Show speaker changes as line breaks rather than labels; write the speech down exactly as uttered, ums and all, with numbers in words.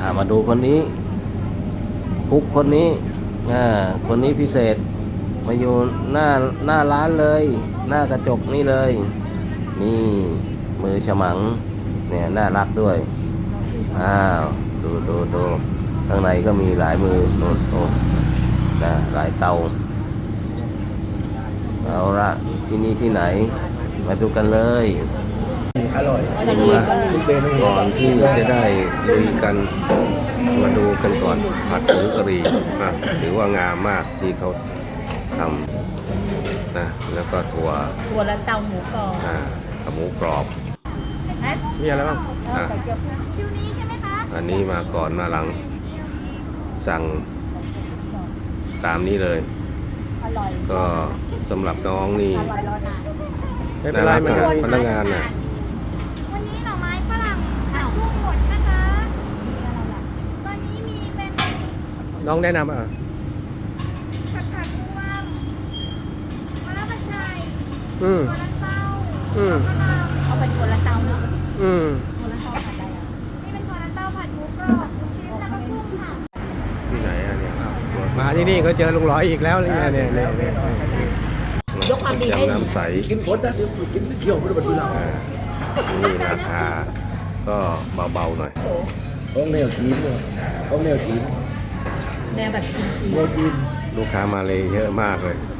อ่ามาดูคนนี้คุกคนนี้อ่าคนนี้พิเศษมาอยู่หน้าหน้าร้านเลย หน้ากระจกนี่เลย นี่มือฉมังเนี่ยน่ารักด้วยอ้าวดูดูดูข้างในก็มีหลายมือโน่นโน่นนะหลายเตาเอาละที่นี่ที่ไหนมาดูกันเลย
อร่อย
มาก่อนที่จะได้ลุยกันมาดูกันก่อนผัดผงกะหรี่อ่ะถือว่างามมากที่เขาทำนะแล้วก็ถั่ว
ถั่วและเตาหมูกรอบ
อ่ากับหมูกรอบ
เอ๊ะ
มีอะไรบ้างอ่ะ
คิวนี้ใช่ไหมคะ
อันนี้มาก่อนมาหลังสั่งตามนี้เลย
อร่อย
ก็สำหรับน้องนี่
อร่อยรอนาน
น่ารักนะพนักงานน่ะ
วันนี้หน่อไม้ฝรั่งผัดกุ้งหมดนะคะวันนี้มีเป็น
น้องแนะนำอ่ะ
ผัดผัดรวมมะระผัดไทย
อืม
มะระเต้า
อืม
มะนาว
เอาเป็นถั่วและเตาเนาะ
อืม
ถั่วและเตาผัดอะไรอ่ะ
นี่เป็นถั่วลันเต้าผัดหมูกรอบหมูชิ้นแล้วก็กุ้งค่ะ
ที่ไหนอ่ะเนี่ยอ้าวตัว
มาที่นี่ก็เจอลุงร้อยอีกแล้วเนี่ยเนี่ยเนี่ยเนี่ย
ยกความดีให้
ยำน้ำใส
กินฝนนะเดี๋ยวกินเที่ยวไม่ได้บรรลุเรา
อ่านี่ราคาก็เบาๆหน่อย
โส
ต้องแนวจีนเลยต้องแนวจีน
แนวแบบจีน
แนวจีน
ลูกค้ามาเลยเยอะมากเลย
ๆ